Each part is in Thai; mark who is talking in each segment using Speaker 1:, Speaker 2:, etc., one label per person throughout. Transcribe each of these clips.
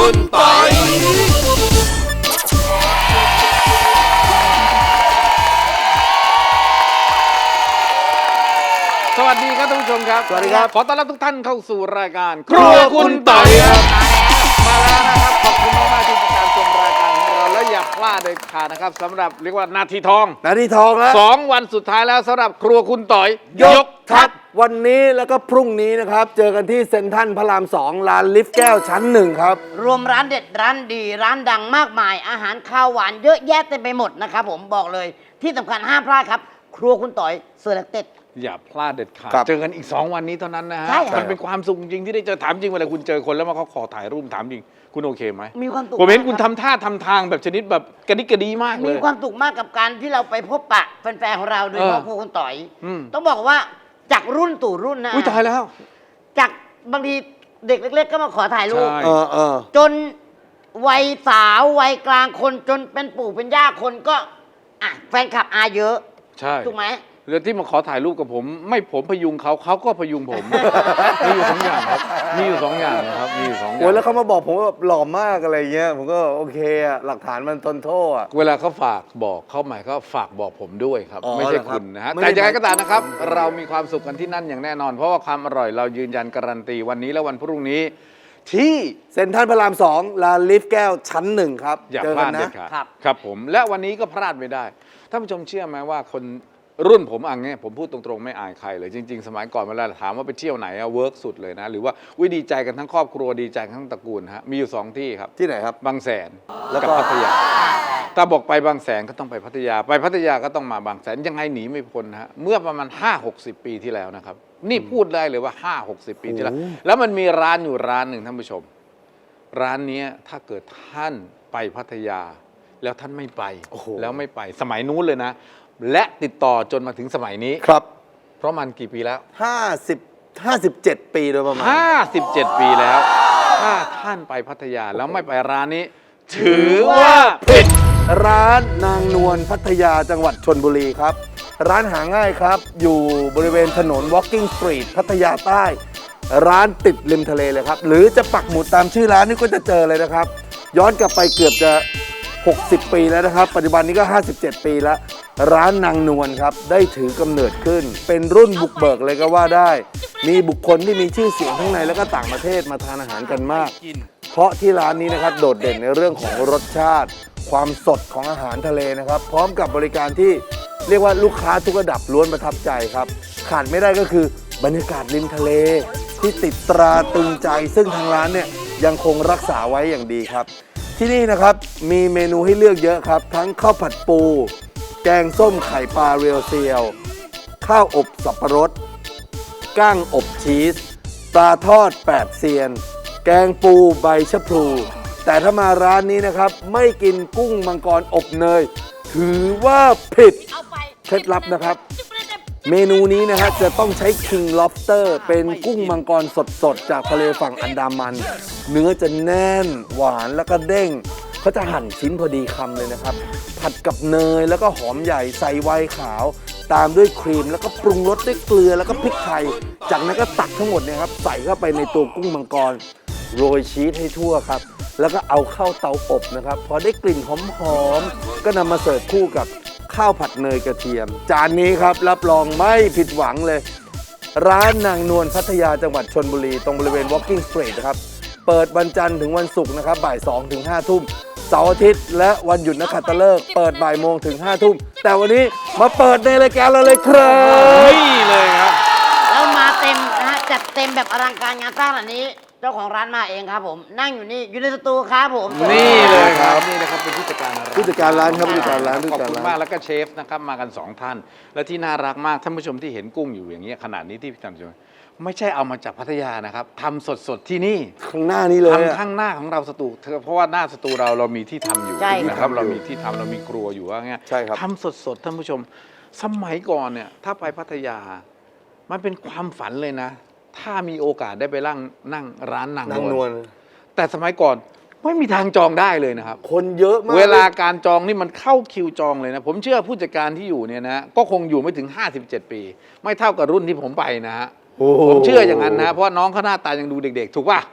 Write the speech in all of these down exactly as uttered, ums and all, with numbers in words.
Speaker 1: คุณปอยสวัสดีครับท่านผู้ชมครับสวัสดีครับขอต้อนรับทุกท่านเข้าสู่รายการครัวคุณปอยครับมาแล้วนะครับขอบคุณมากๆที่ติดตามชมรายการของเราและอย่าพลาดเด็ดขาดนะครับสำหรับเรียกว่านาทีทอง
Speaker 2: นาทีทองแล้ว
Speaker 1: สองวันสุดท้ายแล้วสำหรับครัวคุณต่อย
Speaker 2: ยกทัพวันนี้แล้วก็พรุ่งนี้นะครับเจอกันที่เซ็นทรัลพระรามสองร้านลิฟต์แก้วชั้นหนึ่งครับ
Speaker 3: รวมร้านเด็ดร้านดีร้านดังมากมายอาหารข้าวหวานเยอะแยะเต็มไปหมดนะครับผมบอกเลยที่สำคัญห้ามพลาดครับครัวคุณต่อยเซอร์เลคเต็ด
Speaker 1: อย่าพลาดเด็ดขาดเจอกันอีกสองวันนี้เท่านั้นนะฮะมันเป็นความสุขจริงที่ได้เจอถามจริงเวลาคุณเจอคนแล้วมาเขาขอถ่ายรูปถามจริงคุณโอเคไหม
Speaker 3: มีความสุข
Speaker 1: ผมเห็นคุณทำท่าทำทางแบบชนิดแบบกระดิกกระดีมากเลย
Speaker 3: มีความสุขมากกับการที่เราไปพบปะแฟนๆของเราโดยเฉพาะครัวคุณต่อยต้องบอกว่าจากรุ่นสู่รุ่นนะ
Speaker 1: อุ้ยตายแล้ว
Speaker 3: จากบางทีเด็กเล็กๆก็มาขอถ่ายรูปจนวัยสาววัยกลางคนจนเป็นปู่เป็นย่าคนก็อ่ะแฟนคลับอาเยอะ
Speaker 1: ใช่
Speaker 3: ถูกไหม
Speaker 1: เรื่องที่มาขอถ่ายรูปกับผมไม่ผมพยุงเขาเขาก็พยุงผมมีอยู่สองอย่างครับมีอยู่สองอย่างนะครับมีอยู่สองอย่าง
Speaker 2: โอ้ยแล้วเขามาบอกผมว่าหล่อมากอะไรเงี้ยผมก็โอเคอะหลักฐานมันทนโทษอะ
Speaker 1: เวลาเขาฝากบอกเขาหมายเขาฝากบอกผมด้วยครับไม่ใช่คุณนะฮะแต่ยังไงก็ตามนะครับเรามีความสุขกันที่นั่นอย่างแน่นอนเพราะว่าความอร่อยเรายืนยันการันตีวันนี้และวันพรุ่งนี้ที่
Speaker 2: เซ็นทรัลพระรามสองร้านลิฟต์แก้วชั้นหนึ่งครับ
Speaker 1: อย่าพลาดเด็ดขาดครับผมและวันนี้ก็พลาดไม่ได้ท่านผู้ชมเชื่อไหมว่าคนรุ่นผมอ่ะเนี่ยผมพูดตรงๆไม่อายใครเลยจริงๆสมัยก่อนเวลาถามว่าไปเที่ยวไหนอะเวิร์กสุดเลยนะหรือว่าวิดีใจกันทั้งครอบครัวดีใจทั้งตระกูลฮะมีอยู่สองที่ครับ
Speaker 2: ที่ไหนครับ
Speaker 1: บางแสนแล้วก็พัทยาถ้าบอกไปบางแสนก็ต้องไปพัทยาไปพัทยาก็ต้องมาบางแสนยังไงหนีไม่พ้นฮะเมื่อประมาณห้าหกสิบปีที่แล้วนะครับนี่พูดได้เลยว่าห้าหกสิบปีที่แล้วแล้วมันมีร้านอยู่ร้านหนึ่งท่านผู้ชมร้านนี้ถ้าเกิดท่านไปพัทยาแล้วท่านไม่ไปแล้วไม่ไปสมัยนู้นเลยนะและติดต่อจนมาถึงสมัยนี้
Speaker 2: ครับ
Speaker 1: เพราะมันกี่ปีแล้ว
Speaker 2: ห้าสิบ ห้าสิบเจ็ดปีโดยประมาณ
Speaker 1: ห้าสิบเจ็ดปีแล้วถ้าท่านไปพัทยาแล้วไม่ไปร้านนี้ถือว่าผิด
Speaker 2: ร้านนางนวลพัทยาจังหวัดชลบุรีครับร้านหาง่ายครับอยู่บริเวณถนน Walking Street พัทยาใต้ร้านติดริมทะเลเลยครับหรือจะปักหมุดตามชื่อร้านนี่ก็จะเจอเลยนะครับย้อนกลับไปเกือบจะหกสิบปีแล้วนะครับปัจจุบันนี้ก็ห้าสิบเจ็ดปีแล้วร้านนางนวลครับได้ถือกำเนิดขึ้นเป็นรุ่นบุกเบิกเลยก็ว่าได้มีบุคคลที่มีชื่อเสียงทั้งในและก็ต่างประเทศมาทานอาหารกันมากเพราะที่ร้านนี้นะครับโดดเด่นในเรื่องของรสชาติความสดของอาหารทะเลนะครับพร้อมกับบริการที่เรียกว่าลูกค้าทุกระดับล้วนประทับใจครับขาดไม่ได้ก็คือบรรยากาศริมทะเลที่ติดตราตรึงใจซึ่งทางร้านเนี่ยยังคงรักษาไว้อย่างดีครับที่นี่นะครับมีเมนูให้เลือกเยอะครับทั้งข้าวผัดปูแกงส้มไข่ปลาเรียวเซียวข้าวอบสับปะรดก้างอบชีสปลาทอดแปดเซียนแกงปูใบชะพลูแต่ถ้ามาร้านนี้นะครับไม่กินกุ้งมังกรอบเนยถือว่าผิดเคล็ดลับนะครับเมนูนี้นะฮะจะต้องใช้ King Lobster เป็นกุ้งมังกรสดๆจากทะเลฝั่งอันดามันเนื้อจะแน่นหวานแล้วก็เด้งเขาจะหั่นชิ้นพอดีคำเลยนะครับผัดกับเนยแล้วก็หอมใหญ่ใส่ไวน์ขาวตามด้วยครีมแล้วก็ปรุงรสด้วยเกลือแล้วก็พริกไทยจากนั้นก็ตักทั้งหมดเนี่ยครับใส่เข้าไปในตัวกุ้งมังกรโรยชีสให้ทั่วครับแล้วก็เอาเข้าเตาอบนะครับพอได้กลิ่นหอมๆก็นำมาเสิร์ฟคู่กับข้าวผัดเนยกระเทียมจานนี้ครับรับรองไม่ผิดหวังเลยร้านนางนวลพัทยาจังหวัดชลบุรีตรงบริเวณ Walking Street นะครับเปิดวันจันทร์ถึงวันศุกร์นะครับบ่ายสองถึงห้าทุ่มเสาร์อาทิตย์และวันหยุดนักขัตฤกษ์เปิดบ่ายโมงถึงห้าทุ่มแต่วันนี้มาเปิดในรายการเราเลยครับ
Speaker 1: นี่เลยครับ
Speaker 3: แล้วมาเต็มนะฮะจัดเต็มแบบอลังการงานสร้างแบบนี้เจ้าของร้านมาเองครับผมนั่งอยู่นี่อยู่ในสตูครับผม
Speaker 1: นี่เลยครับนี่นะครับเป็นผู้จัดการร้าน
Speaker 2: ผู้จัดการร้านครับผู้จัดการร้าน
Speaker 1: ขอบคุณมากแล้วก็เชฟนะครับมากันสองท่านและที่น่ารักมากท่านผู้ชมที่เห็นกุ้งอยู่อย่างเงี้ยขนาดนี้ที่พี่ทำอยู่ไม่ใช่เอามาจากพัทยานะครับทำสดๆที่นี่
Speaker 2: ข้างหน้านี้เลย
Speaker 1: ทำข้างหน้าของเราสตูเพราะว่าหน้าสตูเราเรามีที่ทำอยู่นะครับเรามีที่ทำเรามีครัวอยู่ว่าเงี้ยทำสดๆท่านผู้ชมสมัยก่อนเนี่ยถ้าไปพัทยามันเป็นความฝันเลยนะถ้ามีโอกาสได้ไปนั่งนั่งร้านนางนวลแต่สมัยก่อนไม่มีทางจองได้เลยนะครับ
Speaker 2: คนเยอะมาก
Speaker 1: เวลาการจองนี่มันเข้าคิวจองเลยนะผมเชื่อผู้จัดการที่อยู่เนี่ยนะก็คงอยู่ไม่ถึงห้าสิบเจ็ดปีไม่เท่ากับรุ่นที่ผมไปนะฮะผมเชื่ออย่างนั้นนะเพราะน้องเขาหน้าตายังดูเด็กๆถูกป่ะ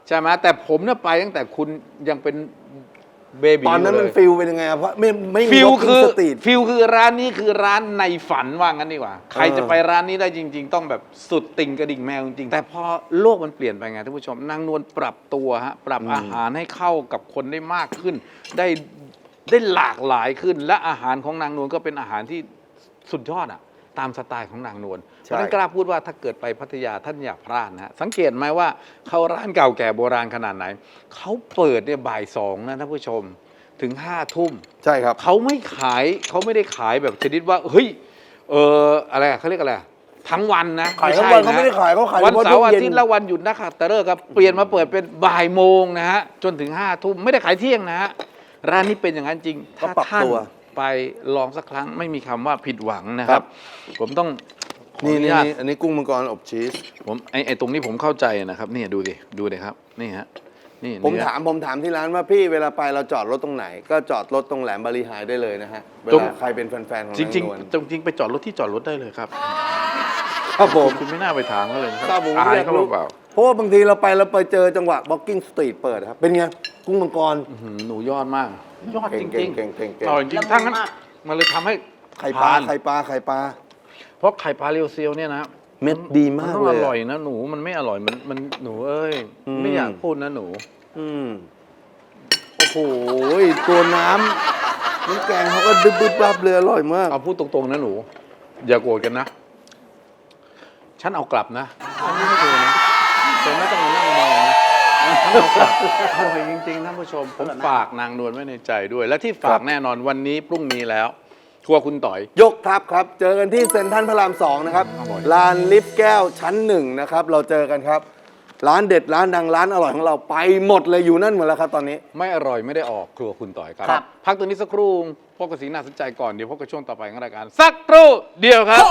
Speaker 1: ใช่ไหมแต่ผมเนี่ยไปตั้งแต่คุณยังเป็นเบบี
Speaker 2: ตอนนั้นมันฟิลเป็นยังไงอะเพราะไม่ไม่มี
Speaker 1: ฟิล
Speaker 2: Walking
Speaker 1: คือ
Speaker 2: Street
Speaker 1: ฟิลคือร้านนี้คือร้านในฝันว่างั้นดีกว่า ใครจะไปร้านนี้ได้จริง ๆ ต้องแบบสุดติ่งกระดิ่งแมวจริงๆแต่พอโลกมันเปลี่ยนไปไงท่านผู้ชมนางนวลปรับตัวฮะปรับอาหารให้เข้ากับคนได้มากขึ้น ได้ได้หลากหลายขึ้น และอาหารของนางนวลก็เป็นอาหารที่สุดยอดอะตามสไตล์ของนางนวลเพราะฉะนั้นกล้าพูดว่าถ้าเกิดไปพัทยาท่านอย่าพลาดนะฮะสังเกตไหมว่าเขาร้านเก่าแก่โบราณขนาดไหนเขาเปิดเนี่ยบ่ายสองนะท่านผู้ชมถึงห้าทุ่ม
Speaker 2: ใช่ครับ
Speaker 1: เขาไม่ขายเขาไม่ได้ขายแบบชนิดว่าเฮ้ยเอออะไรอะเขาเรียกอะไรอะทั้งวันนะ
Speaker 2: ขายทั้งวัน
Speaker 1: ใช่ะ
Speaker 2: เขาไม่ได้ขายเขาขาย
Speaker 1: วัน
Speaker 2: เฉพาะ
Speaker 1: เสาร์อา
Speaker 2: ช่วงเย็น
Speaker 1: ทิตย์และวันหยุดนักขัตฤกษ์ครับเปลี่ยนมาเปิดเป็นบ่ายโมงนะฮะจนถึงห้าทุ่มไม่ได้ขายเที่ยงนะฮะร้านนี้เป็นอย่างนั้นจริง
Speaker 2: ก็
Speaker 1: ถ้า
Speaker 2: ปรับ
Speaker 1: ท่าน
Speaker 2: ตัว
Speaker 1: ไปลองสักครั้งไม่มีคำว่าผิดหวังนะครับ ผมต้องขอ
Speaker 2: นี่
Speaker 1: อนุ
Speaker 2: นี่
Speaker 1: ญาต
Speaker 2: นี่อันนี้กุ้งมังกรอบชีส
Speaker 1: ผมไอ้ไอ้ตรงนี้ผมเข้าใจนะครับนี่ดูดิดูดิครับนี่ฮะนี่
Speaker 2: ผม
Speaker 1: เนื้อ
Speaker 2: ถามผมถามที่ร้านว่าพี่เวลาไปเราจอดรถตรงไหน ก็จอดรถตรงแหลมบาลีไฮได้เลยนะฮะเว
Speaker 1: ตรง
Speaker 2: ลาใครเป็นแฟนๆของ
Speaker 1: จริง
Speaker 2: นางนวล
Speaker 1: ๆจริงๆไปจอดรถที่จอดรถได้เลยครับ
Speaker 2: ครับผม
Speaker 1: คุณไม่น่าไปถามเขาเลยนะค
Speaker 2: ครั
Speaker 1: รั
Speaker 2: บบ ผม
Speaker 1: อาย
Speaker 2: อยาก
Speaker 1: เขา
Speaker 2: รู้
Speaker 1: เปล่า
Speaker 2: เพราะว่าบางทีเราไปเราไปเจอจังหวะ Walking Street เปิดครับเป็นไงกุ้งมังกร
Speaker 1: อื้อหือหนูยอดมาก ยอดจริง
Speaker 2: เก่
Speaker 1: ๆ
Speaker 2: งๆเก่งๆเก่งๆ
Speaker 1: อร่อยจริง
Speaker 3: ละมุน
Speaker 1: ๆถ้างั้น
Speaker 3: มาก
Speaker 1: มันเลยทำให้
Speaker 2: ไข่ปลา
Speaker 1: ทน
Speaker 2: ไข่ปลาไข่ปลา
Speaker 1: เพราะไข่ปลาเรียวเซียวเนี่ยนะ
Speaker 2: เม็ดดีมาก
Speaker 1: นต้อง
Speaker 2: เลย
Speaker 1: อ
Speaker 2: อะ
Speaker 1: ร่อยนะหนูมันไม่อร่อยมันมันหนูเอ้ย
Speaker 2: อืม
Speaker 1: ไม่อยากพูดนะหนู
Speaker 2: อืมโอ้โหตัวน้ำน้ำแกงเขาก็ดึบดึบรับเลยอร่อยมาก
Speaker 1: เอาพูดตรงๆนะหนู อย่าโกรธกันนะ ฉันเอากลับนะฉันไม่ให้เธอนะเธอไม่ต้องมานั่งมองนะฉันเอากลับอร่อยจริงๆท่านผู้ชมผมฝากนางนวลไว้ในใจด้วย และที่ฝากแน่นอนวันนี้พรุ่งนี้แล้วทัวร์คุณต่อย
Speaker 2: ยกทัพครับ เจอกันที่เซ็นทรัลพระรามสองนะครับ
Speaker 1: อร่อย
Speaker 2: ลานลิฟต์แก้วชั้นหนึ่งนะครับ เราเจอกันครับ ร้านเด็ดร้านดังร้านอร่อยของเราไปหมดเลยอยู่นั่นหมดแล้วครับตอนนี้
Speaker 1: ไม่อร่อยไม่ได้ออกครัวคุณต่อยครับ
Speaker 3: ครับ
Speaker 1: พักตัวนี้สักครู่พบกับสิ่งน่าสนใจก่อนเดี๋ยวพบกับช่วงต่อไปของรายการสักครู่เดียวครับ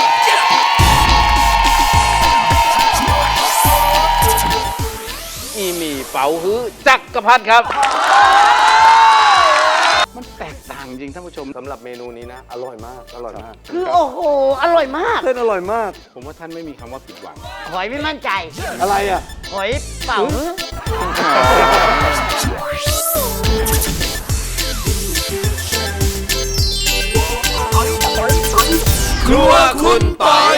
Speaker 1: อีหมี่เป๋าฮื้อจักรพัฒครับ มันแตกต่างจริงท่านผู้ชม
Speaker 2: สำหรับเมนูนี้นะ อร่อยมาก อร่อยมาก
Speaker 3: คือโอ้โห อร่อยมาก
Speaker 2: เส้นอร่อยมาก
Speaker 1: ผมว่าท่านไม่มีคำว่าผิดหวัง
Speaker 3: หอยไม่มั่นใจ
Speaker 2: อะไรอ่ะ
Speaker 3: หอยเป่าฮื้อ
Speaker 1: ครัวคุณต่อย